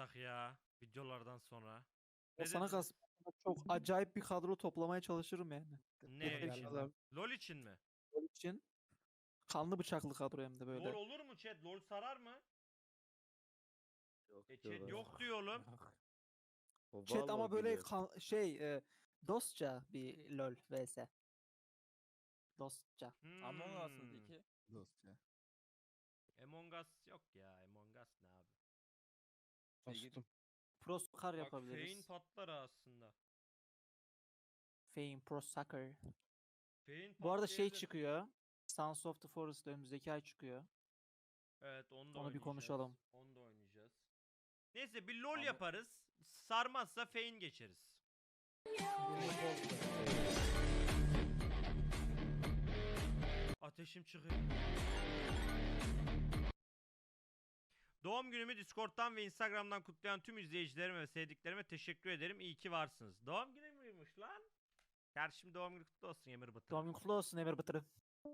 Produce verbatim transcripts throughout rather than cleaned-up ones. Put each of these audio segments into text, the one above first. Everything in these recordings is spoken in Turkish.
yapsak ya videolardan sonra? O Ne sana dediniz? kalsın. Çok acayip bir kadro toplamaya çalışırım yani. Ne Yeteri için? kadar LOL için mi? gol için. Kanlı bıçaklı kadro hem de LOL böyle. olur mu chat? LOL sarar mı? Yok E chat diyorlar. yok diyor oğlum. O Chat ama Valor böyle biliyor. kan- şey e, dostça bir LoL vs. Dostça. Among Us'ın Hmm. peki? Dostça. Among Us yok ya. Among Us ne abi? Dostum. Pro Soccer Bak yapabiliriz. Fein patlar aslında. Fame Pro Soccer. Fein Bu arada şey patlayabilir. çıkıyor. Sons of the Forest önümüzdeki ay çıkıyor. Evet onu da Onu bir oynayacağız. konuşalım. Onu da oynayacağız. Neyse bir LOL Ama- yaparız. Sarmazsa Fein geçeriz. Ateşim çıkıyor. Doğum günümü Discord'dan ve Instagram'dan kutlayan tüm izleyicilerime ve sevdiklerime teşekkür ederim. İyi ki varsınız. Doğum günü müymüş lan? Kardeşim doğum günü kutlu olsun Emir Batır. Doğum günü kutlu olsun Emir Batır'ı.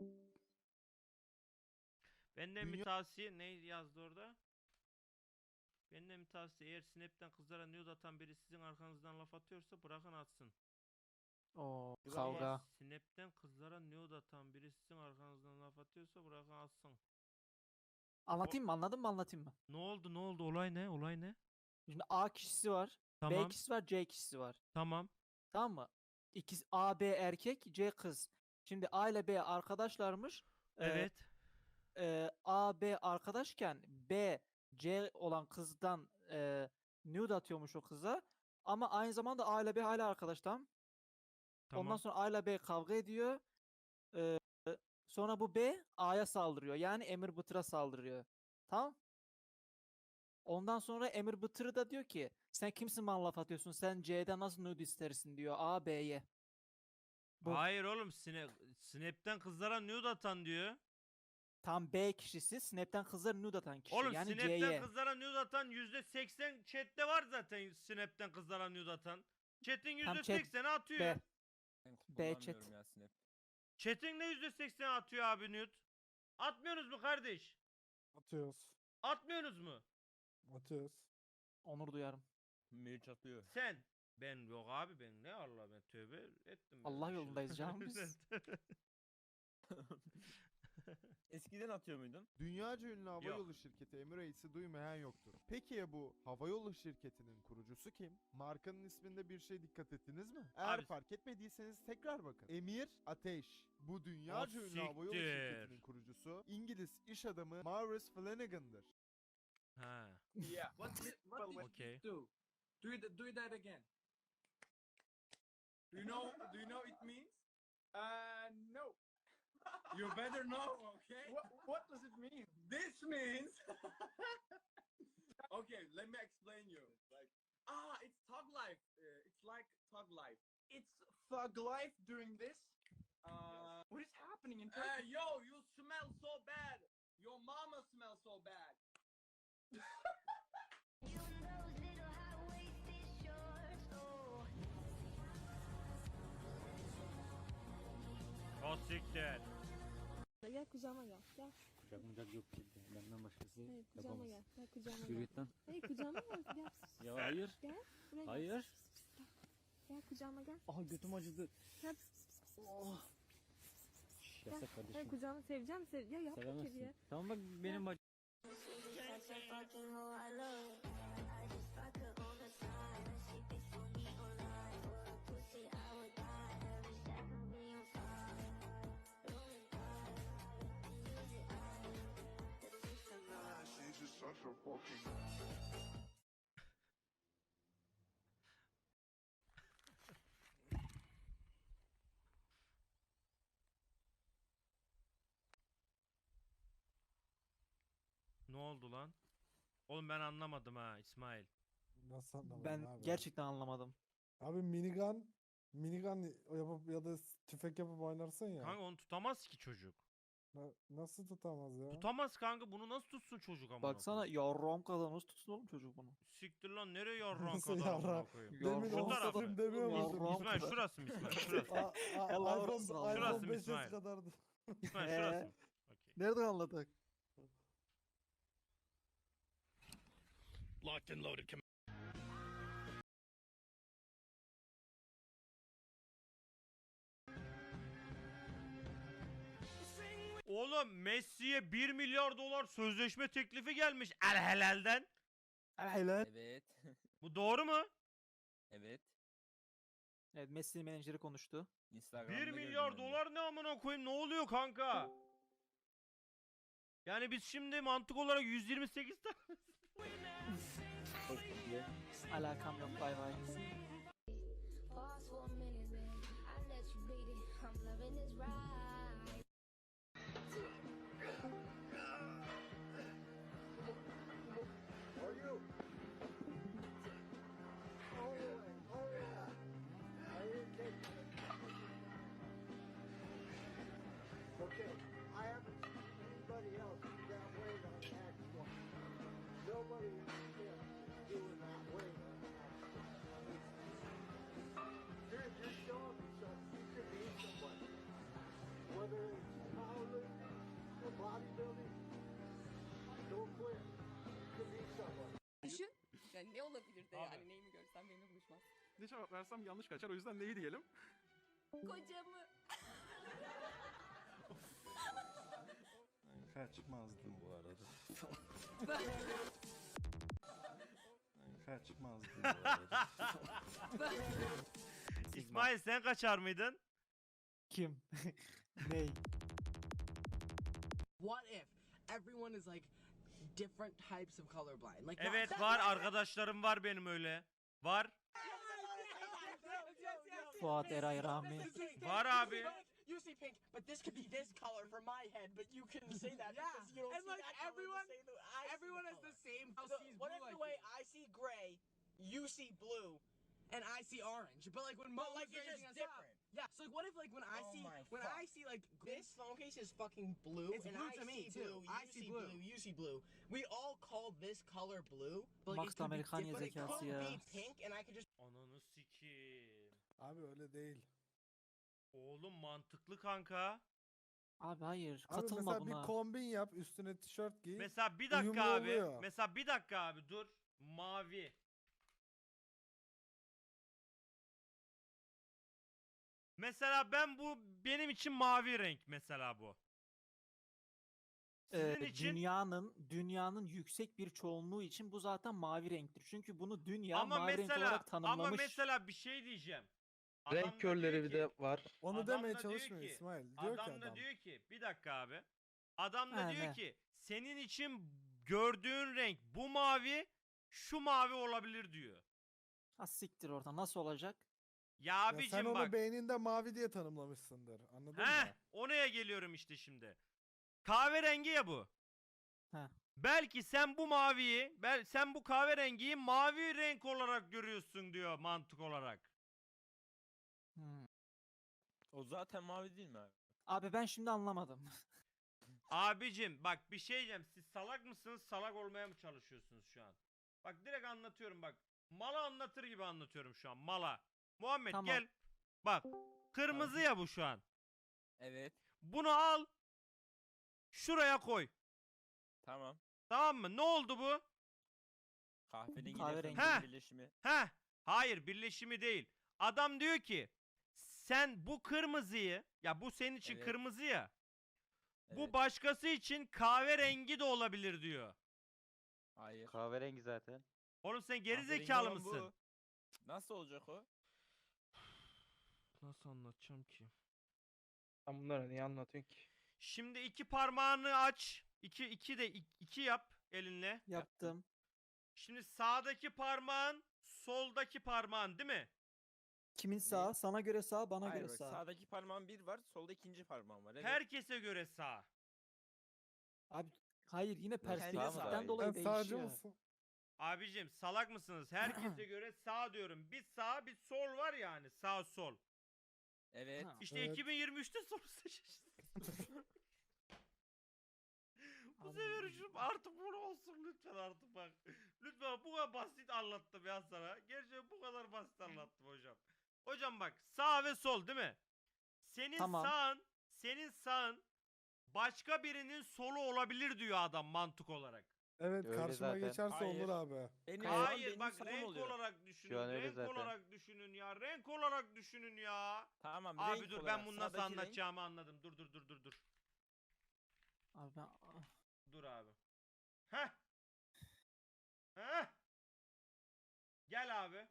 Benden bir Dünya- tavsiye ne yazdı orada? Benden bir tavsiye eğer Snap'ten kızlara nude atan biri sizin arkanızdan laf atıyorsa bırakın atsın. Oo, Ama kavga. Snap'ten kızlara nude atan biri sizin arkanızdan laf atıyorsa bırakın atsın. Anlatayım mı? Anladın mı? Anlatayım mı? Ne oldu ne oldu olay ne olay ne? Şimdi A kişisi var. B Tamam kişisi var. C kişisi var. tamam Tamam mı? İkisi A, B erkek, C kız. Şimdi A ile B arkadaşlarmış. Ee, evet e, A, B arkadaşken B, C olan kızdan e, nude atıyormuş o kıza. Ama aynı zamanda A ile B hala arkadaş tamam. Ondan tamam. sonra A ile B kavga ediyor. Ee, sonra bu B A'ya saldırıyor. Yani Emir Bıtır'a saldırıyor. Tamam. Ondan sonra Emir Bıtır da diyor ki sen kimsin bana laf atıyorsun? Sen C'den nasıl nude istersin diyor A B'ye. Bu. Hayır oğlum Snap, Snap'ten kızlara nude atan diyor. Tam B kişisi Snap'ten kızlara nude atan kişi. Oğlum yani Snap'ten C'ye. kızlara nude atan yüzde seksen chatte var zaten Snap'ten kızlara nude atan. Chat'in Tam yüzde chat sekseni atıyor. B. Ben B kullanmıyorum chat. ya Snap. Chat'in de yüzde sekseni atıyor abi nude. Atmıyorsunuz mu kardeş? Atıyoruz. Atmıyorsunuz mu? Atıyoruz. Onur duyarım. Meriç atıyor. Sen. Ben yok abi ben ne Allah ben tövbe ettim. ben Allah bir şey- yolundayız canım biz. Eskiden atıyor muydun? Dünyaca ünlü Yok. havayolu şirketi Emirates'i duymayan yoktur. Peki ya bu havayolu şirketinin kurucusu kim? Markanın isminde bir şey dikkat ettiniz mi? Eğer Abi- fark etmediyseniz tekrar bakın. Emir Ateş. Bu dünyaca ünlü havayolu siktir. şirketinin kurucusu İngiliz iş adamı Maurice Flanagan'dır. Ha. Yeah. What did, what did Okay. you do? Do it, do that again. Do you know? Do you know it means? Uh, no. You better know, okay? What, what does it mean? This means. Okay, let me explain you. Like, ah, it's thug life. Uh, it's like thug life. It's thug life doing this. Uh, what is happening in Turkey? Uh, yo, you smell so bad. Your mama smells so bad. O siktir. Gel kucağıma gel. Gel. Kucak yok kimse. Benden başkası Hayır kucağıma yapamaz. gel. Gel kucağıma Yürü gel. git lan. Hayır kucağıma gel. Gel. Ya hayır. Gel. Buraya gel. Hayır. Gel. Gel kucağıma gel. Aha götüm acıdı. Gel. Oh. Şş, Gel. Yasak Hayır kardeşim. kucağıma seveceğim. Sev ya yapma kediye. Sevemezsin. Tamam bak benim bacım. Ne oldu lan? Oğlum ben anlamadım ha İsmail. Nasıl anlamadın Ben abi? gerçekten anlamadım. Abi minigun minigun yapıp ya da tüfek yapıp oynarsın ya. Kanka onu tutamaz ki çocuk. Na- nasıl tutamaz ya? Tutamaz kanka bunu nasıl tutsun çocuk amına Baksana koyayım? yarrom kadar nasıl tutsun oğlum çocuk bunu. Siktir lan nereye yarran Nasıl kadar amına yarrak? koyayım? Demin Yarrom Şu tarafı. Oğuzhan'ım demiyor Yarrak. musun? İsmail şurası mı İsmail şurası? A- a- El iPhone, avrası aldı. Şurası iPhone mı beş S İsmail? kadardı. İsmail Ee? şurası mı? Okey. Nereden anladık? Locked and loaded. Com- Oğlum Messi'ye bir milyar dolar sözleşme teklifi gelmiş El Helal'den. Helal. Evet. Bu doğru mu? Evet. Evet, Messi menajeri konuştu. Instagram'da bir gördüm milyar ben de. dolar ne amına koyayım, ne oluyor kanka? Yani biz şimdi mantık olarak yüz yirmi sekiz tane Alakam yok, bay bay. Pause for a minute, babe. I let you beat it. I'm loving this ride. Okay, I haven't seen anybody else that way on Act One. Nobody else is doing that way on Act One. You're, you're showing me something. You could be somebody. Whether it's powerlifting or bodybuilding, don't quit. You could be somebody. Düşün. Yani ne olabilir de yani neyimi görsem benimle buluşmaz. Ne cevap versem yanlış kaçar. O yüzden neyi diyelim? Kocamı. Kaçmazdım bu arada. Kaçmazdım bu arada. İsmail sen kaçar mıydın? Kim? Ney? What if everyone is like different types of colorblind? Like Evet var, arkadaşlarım var benim öyle. Var. Fuat Eray Rahmi. Var abi. You see pink, but this could be this color for my head, but you can say that because you don't and see like that everyone, color the same way I everyone see has the same. The, what if the way I see gray, you see blue, and I see orange? But like when but like it's just different. Yeah. So like what if like when I Oh see my when fuck. I see like this phone case is fucking blue, It's and blue I to me, see too. blue, I you see see blue. blue, you see blue. We all call this color blue, but like Max it could be Amerikanya different. It zekası could ya. be pink, and I could just Ananı sikeyim. Abi öyle değil. Oğlum mantıklı kanka. Abi hayır, Abi katılma mesela buna. bir kombin yap, üstüne tişört giy. Mesela bir dakika Uyumlu abi. oluyor. Mesela bir dakika abi dur. Mavi. Mesela ben bu benim için mavi renk mesela bu. Sizin Ee, için dünyanın dünyanın yüksek bir çoğunluğu için bu zaten mavi renktir. Çünkü bunu dünya ama mavi renk mesela olarak tanımlamış. ama mesela bir şey diyeceğim. Adam da Renk körleri diyor bir ki- de var. Onu Adam demeye da diyor çalışmıyor ki- İsmail. Diyor ki Adam da adam. diyor ki bir dakika abi. Adam da Ha, diyor ne? ki senin için gördüğün renk bu mavi, şu mavi olabilir diyor. Ha siktir oradan, nasıl olacak? Ya Ya abicim sen onu bak. beyninde mavi diye tanımlamışsındır. Anladın Heh, mı? oraya geliyorum işte şimdi. Kahverengi ya bu. Heh. Belki sen bu maviyi, bel sen bu kahverengiyi mavi renk olarak görüyorsun diyor mantık olarak. Hmm. O zaten mavi değil mi abi? Abi ben şimdi anlamadım. Abicim bak bir şey diyeceğim. Siz salak mısınız? Salak olmaya mı çalışıyorsunuz şu an? Bak direkt anlatıyorum bak. Mala anlatır gibi anlatıyorum şu an. Mala. Muhammed Tamam. gel. Bak. Kırmızı ya bu şu an. Evet. Bunu al. Şuraya koy. Tamam. Tamam mı? Ne oldu bu? Kahverengi Kahverengi. Heh. ile birleşimi. Heh. Hayır, birleşimi değil. Adam diyor ki sen bu kırmızıyı, ya bu senin için Evet. kırmızı ya. Bu Evet. başkası için kahverengi de olabilir diyor. Hayır. Kahverengi zaten. Oğlum sen geri Kahverengi zekalı olan bu. mısın? Nasıl olacak o? Nasıl anlatacağım ki? Sen bunları niye anlatıyorsun ki? Şimdi iki parmağını aç. İki, iki de ik- iki yap elinle. Yaptım. Şimdi sağdaki parmağın soldaki parmağın değil mi? Kimin sağ? Sana göre sağ, bana Hayır göre bak, sağ. sağdaki parmağın bir var, solda ikinci parmağın var. Evet. Herkese göre sağ. Abi hayır, yine kendi perspektiften sağ. dolayı Sen sağcı değişiyor. mısın? Abicim salak mısınız? Herkese göre sağ diyorum. Bir sağ bir sol var yani. Sağ sol. Evet. Ha. İşte Evet. iki bin yirmi üçte soru seçeceğiz. Bu sefer şu artık bunu olsun lütfen artık bak. Lütfen bu kadar basit anlattım ya sana. Gerçekten bu kadar basit anlattım hocam. Hocam bak sağ ve sol değil mi? Senin Tamam. sağın, senin sağın başka birinin solu olabilir diyor adam mantık olarak. Evet Öyle karşıma zaten. geçerse Hayır. olur abi. Benim şu an Hayır benim bak salon renk oluyor. olarak düşünün. Şu an öyle Renk zaten. olarak düşünün ya. Renk olarak düşünün ya. Tamam Abi renk dur olarak ben bunu nasıl sağdaki renk- anlatacağımı anladım. Dur dur dur dur dur. Abi ben ah, Dur abi. Heh. Heh. Gel abi.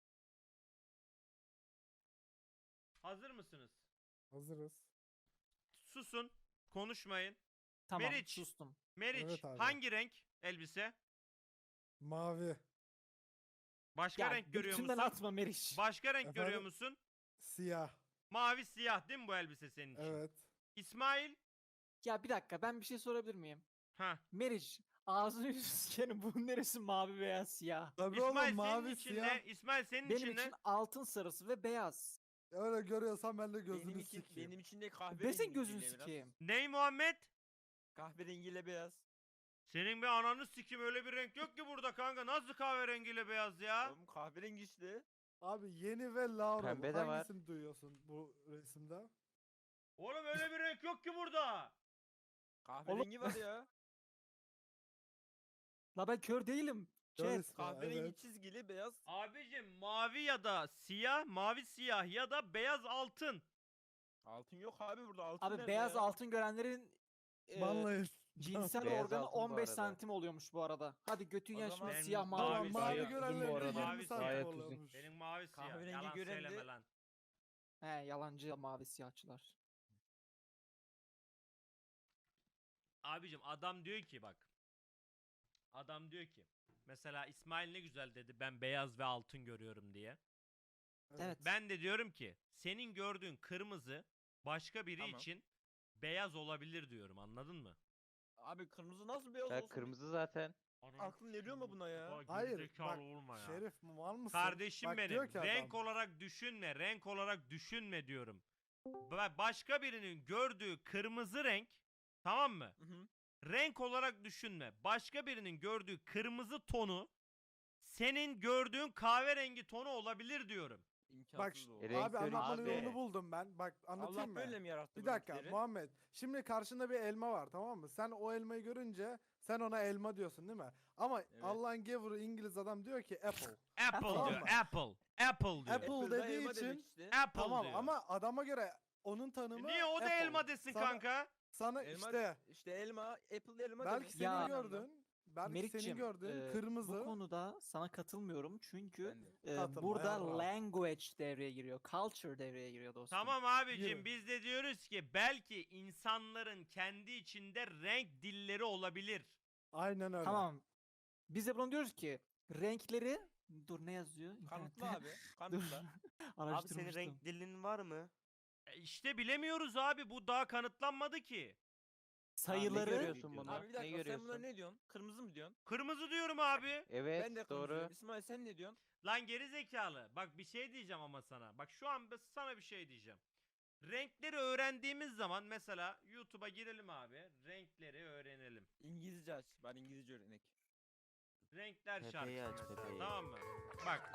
Hazır mısınız? Hazırız. Susun. Konuşmayın. tamam Meriç. sustum. Meriç Evet abi. hangi renk elbise? Mavi. Başka Ya renk görüyor götünden musun? atma Meriç. Başka renk görüyor Efendim? musun? Siyah. Mavi siyah değil mi bu elbise senin için? Evet. İsmail? Ya bir dakika ben bir şey sorabilir miyim? Ha. Meriç ağzını yüzünü sikerim bunun neresi mavi veya siyah? Tabii İsmail oğlum senin mavi için siyah. ne? İsmail senin Benim için ne? için altın sarısı ve beyaz. Öyle görüyorsan ben de gözünü Benim için, sikeyim. benim için de kahverengi. Ben senin gözünü biraz. sikeyim. Ney Muhammed? Kahverengiyle beyaz. Senin bir ananı sikim öyle bir renk yok ki burada kanka. Nasıl kahverengiyle beyaz ya? Oğlum kahverengi işte. Abi yeni ve Laura. Pembe de var. Hangisini duyuyorsun bu resimde? Oğlum öyle bir renk yok ki burada. Kahverengi var ya. La ben kör değilim. Chat. Görüyorsun ha, Kahverengi evet. çizgili beyaz. Abicim mavi ya da siyah, mavi siyah ya da beyaz altın. Altın yok abi burada altın Abi nerede beyaz ya? altın görenlerin e, Banlayın. cinsel Beyaz organı altın bu on beş arada. santim oluyormuş bu arada. Hadi götün O yaşma zaman siyah benim mavi. Tamam mavi mavi siyah. görenlerin Bu de arada. yirmi Mavi santim gayet oluyormuş. Benim mavi siyah. Kahverengi Yalan gören de- söyleme lan. He yalancı mavi siyahçılar. Abicim adam diyor ki bak. Adam diyor ki. Mesela İsmail ne güzel dedi ben beyaz ve altın görüyorum diye. Evet. Ben de diyorum ki senin gördüğün kırmızı başka biri Tamam. için beyaz olabilir diyorum anladın mı? Abi kırmızı nasıl beyaz Ya olsun? kırmızı zaten. Aklın eriyor mu buna ya? Bak, Hayır gerizekalı bak olma ya. Şerif mal mısın? Kardeşim Bak, benim diyor ki renk adam, olarak düşünme renk olarak düşünme diyorum. Ba- Başka birinin gördüğü kırmızı renk tamam mı? Hı hı. Renk olarak düşünme. Başka birinin gördüğü kırmızı tonu senin gördüğün kahverengi tonu olabilir diyorum. Bak İmkansız o. E, renk abi körü anlatmanın abi. yolunu buldum ben. Bak anlatayım Allah mı? böyle mi yarattı Bir bu dakika renkleri? Muhammed. Şimdi karşında bir elma var tamam mı? Sen o elmayı görünce sen ona elma diyorsun değil mi? Ama Evet. Allah'ın gavuru İngiliz adam diyor ki apple. Apple Tamam diyor. mı? Apple. Apple diyor. Apple Apple'da dediği elma için- demek işte. Apple Tamam diyor. ama adama göre onun E tanımı niye o da apple. elma desin Sana- kanka? Sana Elma, işte işte elma, Apple elma belki demek. senin Ya- gördüğün, belki senin Meriç'im, gördüğün e, kırmızı. bu konuda sana katılmıyorum çünkü Ben de. e, Katılma, burada yarrağım. language devreye giriyor. Culture devreye giriyor dostum. Tamam abicim Yürü. biz de diyoruz ki belki insanların kendi içinde renk dilleri olabilir. Aynen öyle. Tamam. Biz de bunu diyoruz ki renkleri dur ne yazıyor? Kanıtla İnternette? abi. Dur. Kanıtla. Abi senin Araştırmıştım. renk dilinin var mı? E işte bilemiyoruz abi bu daha kanıtlanmadı ki. Sayıları görüyorsun bunu? Abi bir Ne dakika sen görüyorsun? buna ne diyorsun? Kırmızı mı diyorsun? Kırmızı diyorum abi. Evet Ben de kırmızı doğru. diyorum. İsmail sen ne diyorsun? Lan geri zekalı. Bak bir şey diyeceğim ama sana. Bak şu an ben sana bir şey diyeceğim. Renkleri öğrendiğimiz zaman mesela YouTube'a girelim abi. Renkleri öğrenelim. İngilizce aç. Ben İngilizce örnek. Renkler Pepe'yi şarkısı aç, mesela, Pepe'yi. tamam mı? Bak.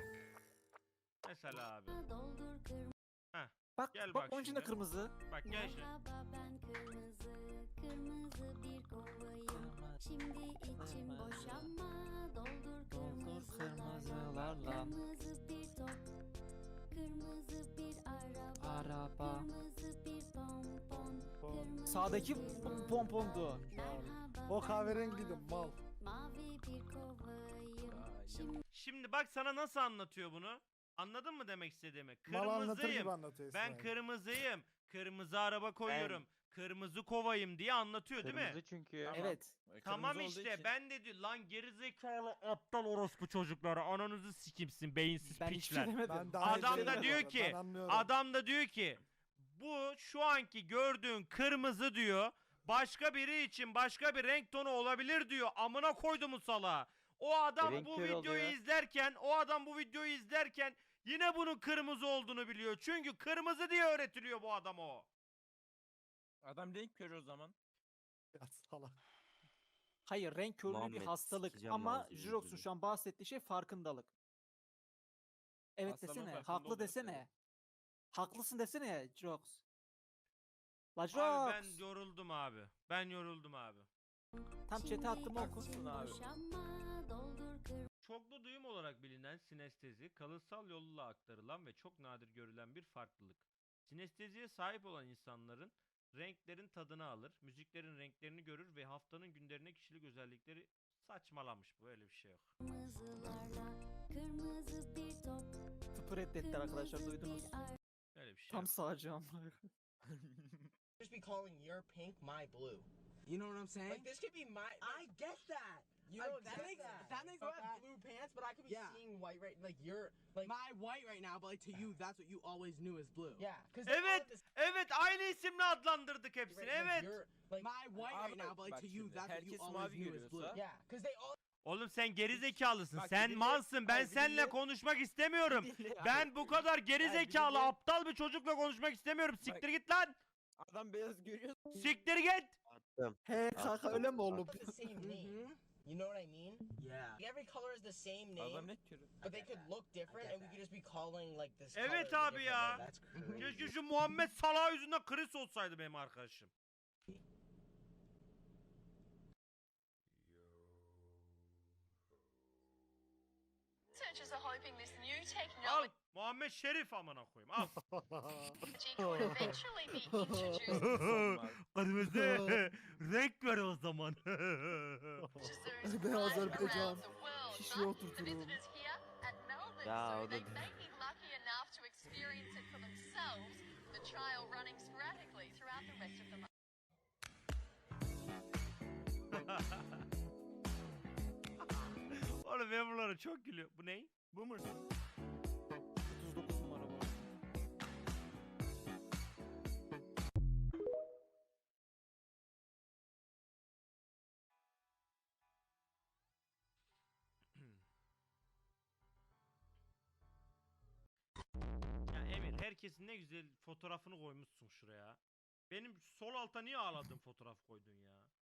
Mesela abi. Doldur kırmızı. bak Gel bak bak onun içinde şimdi. kırmızı. Bak gel şimdi. Merhaba ben kırmızı, kırmızı bir kovayım. Şimdi içim boş ama doldur Doldur kırmızılarla. kırmızılarla. Kırmızı bir top, kırmızı bir araba. Araba. Kırmızı bir pompon, kırmızı Sağdaki bir pom- pompondu. Merhaba O ben kahverengiydi mal. mavi bir kovayım. Şimdi Şimdi bak sana nasıl anlatıyor bunu? Anladın mı demek istediğimi? Mal anlatır Kırmızıyım. gibi anlatıyor Ben İsmail. kırmızıyım. Kırmızı araba koyuyorum. Kırmızı kovayım diye anlatıyor değil mi? Kırmızı çünkü. Tamam. Evet. E, Tamam kırmızı olduğu işte için. ben de diyor lan gerizekalı aptal orospu çocukları ananızı sikimsin beyinsiz Ben hiçbir piçler. şey demedim. Ben daha Adam iyi da değilim diyor bu arada, ki, ben anlıyorum. Adam da diyor ki bu şu anki gördüğün kırmızı diyor başka biri için başka bir renk tonu olabilir diyor. Amına koydumu salağa. O adam renk bu körü videoyu oluyor. izlerken o adam bu videoyu izlerken yine bunun kırmızı olduğunu biliyor. Çünkü kırmızı diye öğretiliyor bu adama o. Adam renk körü o zaman. Ya salak. Hayır renk körlüğü bir Muhammed, hastalık sikeceğim ama ağzını Jirox'un yüzünü. şu an bahsettiği şey farkındalık. Evet Hastalığın desene. farkında Haklı olması desene. lazım. Haklısın desene Jirox. La Abi Jirox. ben yoruldum abi. Ben yoruldum abi. Tam chat'e attım oku. Haklısın abi. Boşanma, doldur kır Çoklu duyum olarak bilinen sinestezi, kalıtsal yolla aktarılan ve çok nadir görülen bir farklılık. Sinesteziye sahip olan insanların renklerin tadını alır, müziklerin renklerini görür ve haftanın günlerine kişilik özellikleri saçmalamış. Böyle bir şey yok. kırmızılarla, kırmızı bir top, Tıpı reddettiler arkadaşlar, kırmızı duydunuz. bir ay. Böyle bir şey Tam yok. sağcı ama. Just be calling your pink my blue. You know what I'm saying? Like this could be my. I get that. You I know get that makes that. that makes But I have blue pants, but I could be Yeah. seeing white right. Like you're like My white right now, but like to you, that's what you always knew as blue. yeah. Because Evet, evet aynı isimle adlandırdık hepsini. Evet. Like My white Abi right now, but like bak to you, şimdi, that's what you herkes always mavi knew as blue. görüyorsa- yeah, because they all. Oğlum sen geri zekalısın. Bak, Sen bir dinle- malsın. Ben Hayır, bir seninle dinle. konuşmak istemiyorum. Bir dinle abi. Ben bu kadar geri Hayır, bir zekalı, dinle. aptal bir çocukla konuşmak istemiyorum. Siktir git lan. Adam beyaz görüyor. Siktir git. He kanka öyle mi oğlum? Have the same name. Mhm. You know what I mean? Yeah. Like, every color is the same Adam name, ne körü. but they could look different, and we could just be calling like this. Evet color a abi different ya. way. That's crazy. Keşke şu Muhammed Salah yüzünden Chris olsaydı benim arkadaşım. Researchers are hoping this new Al technology Muhammed Şerif amına koyayım. Al. could eventually be introduced Kırmızı renk ver o zaman. to zoos Beyaz right Azerbaycan. around the world. Şişeye But the oturturum. visitors here at Melbourne Ya, Zoo, o da- they may be lucky enough to experience it for themselves, the trial running sporadically throughout the rest of the month. Oğlum ben bunlara çok gülüyorum. Bu ne? Bu mu? otuz dokuz numara bu. Ya Emir herkesin ne güzel fotoğrafını koymuşsun şuraya. Benim sol alta niye ağladın fotoğraf koydun ya?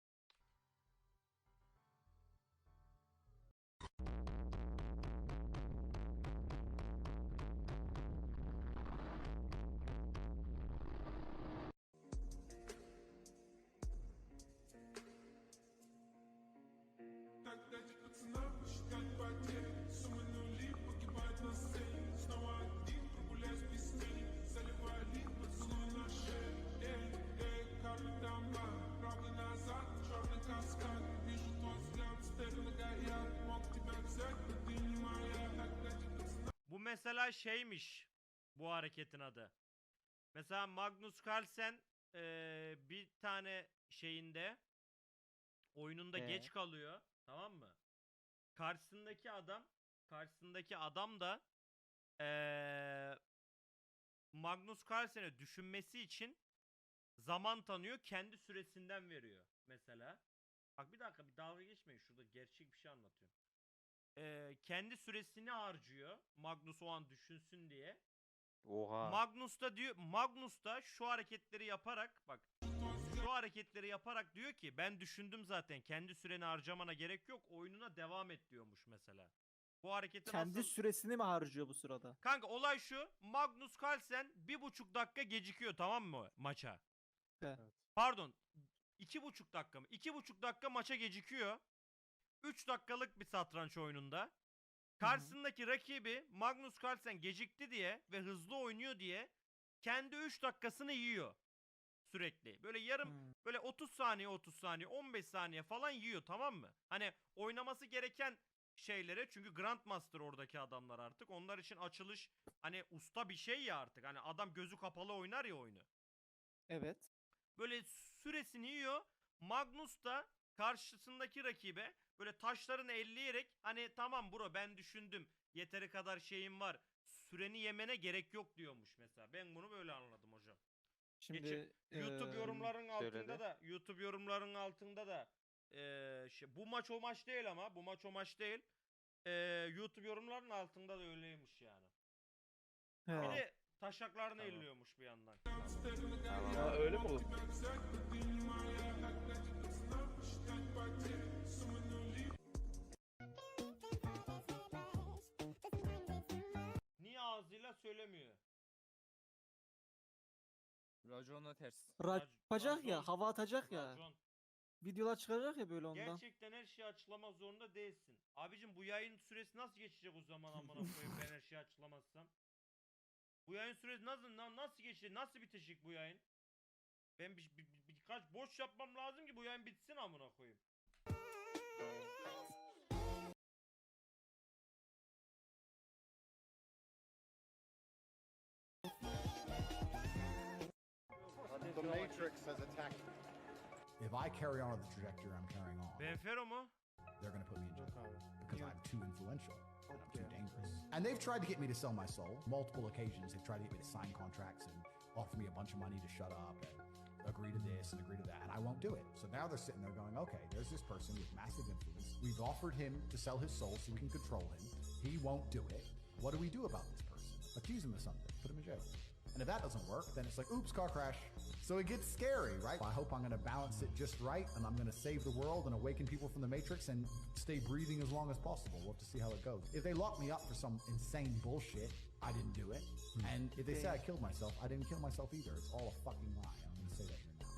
Bu mesela şeymiş bu hareketin adı. Mesela Magnus Carlsen eee, bir tane şeyinde oyununda Ee? geç kalıyor, tamam mı? Karşısındaki adam karşısındaki adam da eee, Magnus Carlsen'e düşünmesi için zaman tanıyor, kendi süresinden veriyor mesela. Bak bir dakika, bir dalga geçmeyin, şurada gerçek bir şey anlatıyorum. Eee, kendi süresini harcıyor Magnus o an düşünsün diye. Oha. Magnus da diyor, Magnus da şu hareketleri yaparak, bak şu hareketleri yaparak diyor ki ben düşündüm zaten, kendi süreni harcamana gerek yok, oyununa devam et diyormuş mesela. Bu hareketi Kendi nasıl... süresini mi harcıyor bu sırada? Kanka olay şu, Magnus Carlsen bir buçuk dakika gecikiyor, tamam mı maça? Evet. Pardon, iki buçuk dakika mı? İki buçuk dakika maça gecikiyor. Üç dakikalık bir satranç oyununda. Karşısındaki rakibi Magnus Carlsen gecikti diye ve hızlı oynuyor diye kendi üç dakikasını yiyor sürekli. Böyle yarım Hmm. böyle otuz saniye otuz saniye on beş saniye falan yiyor, tamam mı? Hani oynaması gereken şeylere, çünkü Grandmaster oradaki adamlar artık. Onlar için açılış hani usta bir şey ya artık. Hani adam gözü kapalı oynar ya oyunu. Evet. Böyle süresini yiyor. Magnus da karşısındaki rakibe böyle taşlarını elleyerek hani tamam bro ben düşündüm, yeteri kadar şeyim var, süreni yemene gerek yok diyormuş mesela. Ben bunu böyle anladım hocam. Şimdi Geçi- YouTube eee, yorumların altında söyledi. da YouTube yorumların altında da eee, şey, bu maç o maç değil ama bu maç o maç değil. Eee, YouTube yorumların altında da öyleymiş yani. he. Bir de taşaklarını Tamam. elliyormuş bir yandan. Ya öyle mi olur? Niye ağzıyla söylemiyor? Raconla ters. Ra- Rac- yapacak ya, racon- hava atacak ya. Racon. videolar çıkaracak ya böyle ondan. Gerçekten her şeyi açıklamak zorunda değilsin. Abicim bu yayın süresi nasıl geçecek o zaman amına koyayım ben her şeyi açıklamazsam? Bu yayın süresi nasıl na- nasıl geçecek? Nasıl bitecek bu yayın? Ben bir, bir- bir- birkaç boş yapmam lazım ki bu yayın bitsin amına koyayım. The Matrix has attacked me. If I carry on the trajectory I'm carrying on, Benfero mu? they're gonna put me in jail because I'm too influential. and I'm too dangerous. And they've tried to get me to sell my soul. Multiple occasions, they've tried to get me to sign contracts and offer me a bunch of money to shut up and agree to this and agree to that, and I won't do it. So now they're sitting there going, okay, there's this person with massive influence. We've offered him to sell his soul so we can control him. He won't do it. What do we do about this person? Accuse him of something. Put him in jail. And if that doesn't work, then it's like, oops, car crash. So it gets scary, right? I hope I'm going to balance it just right, and I'm going to save the world and awaken people from the Matrix and stay breathing as long as possible. We'll have to see how it goes. If they lock me up for some insane bullshit, I didn't do it. And if they say I killed myself, I didn't kill myself either. It's all a fucking lie. I'm going to say that here now.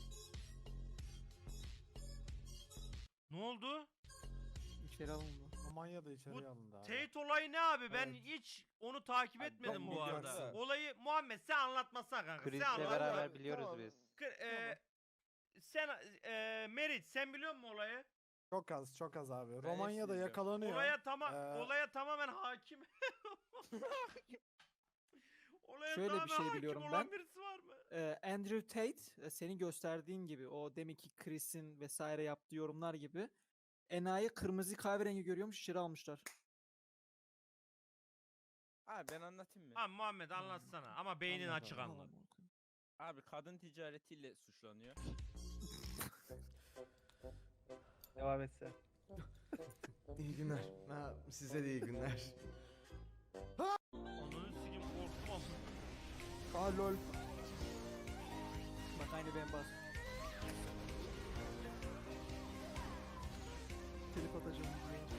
Ne oldu? İçeri alındı. Romanya'da içeriye alındı abi. Tate olayı ne abi? Ben Evet. hiç onu takip etmedim çok bu arada. biliyorsun. Olayı Muhammed sen anlatmasana kanka. Sen Krizle anlat. beraber biliyoruz biz. K- e, sen e, Meriç sen biliyor musun olayı? Çok az çok az abi. hepsini Romanya'da izliyorum. yakalanıyor. Olaya tamam Ee, olaya tamamen hakim. Olaya Şöyle bir tamamen şey hakim biliyorum olan ben. birisi var mı? Ee, Andrew Tate e, senin gösterdiğin gibi o deminki Chris'in vesaire yaptığı yorumlar gibi enayi kırmızı kahverengi görüyormuş içeri almışlar. Abi ben anlatayım mı? Ha Muhammed anlatsana ama beynin Anlat açık abi. anlat. Abi kadın ticaretiyle suçlanıyor. Devam etse. İyi günler. Ha, size de iyi günler. Onun sikim korkmam. Aa lol. Bak aynı ben bas. Trip atacağım.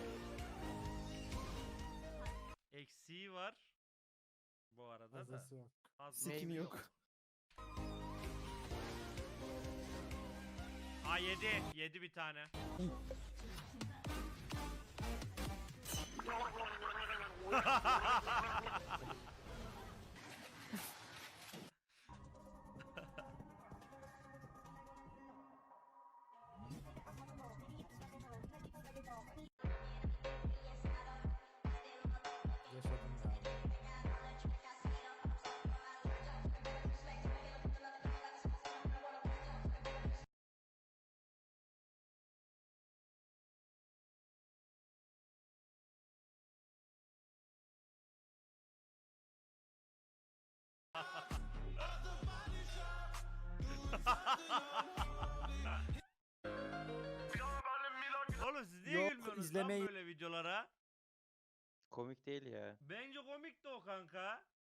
Eksiği var. Bu arada da. Fazlası yok. Fazlası Sikini yok. Aa yedi. Yedi bir tane. Yaşadım ya. Oğlum siz niye Yok, gülmüyorsunuz izlemeyi- lan böyle videolara? Komik değil ya. Bence komik de o kanka.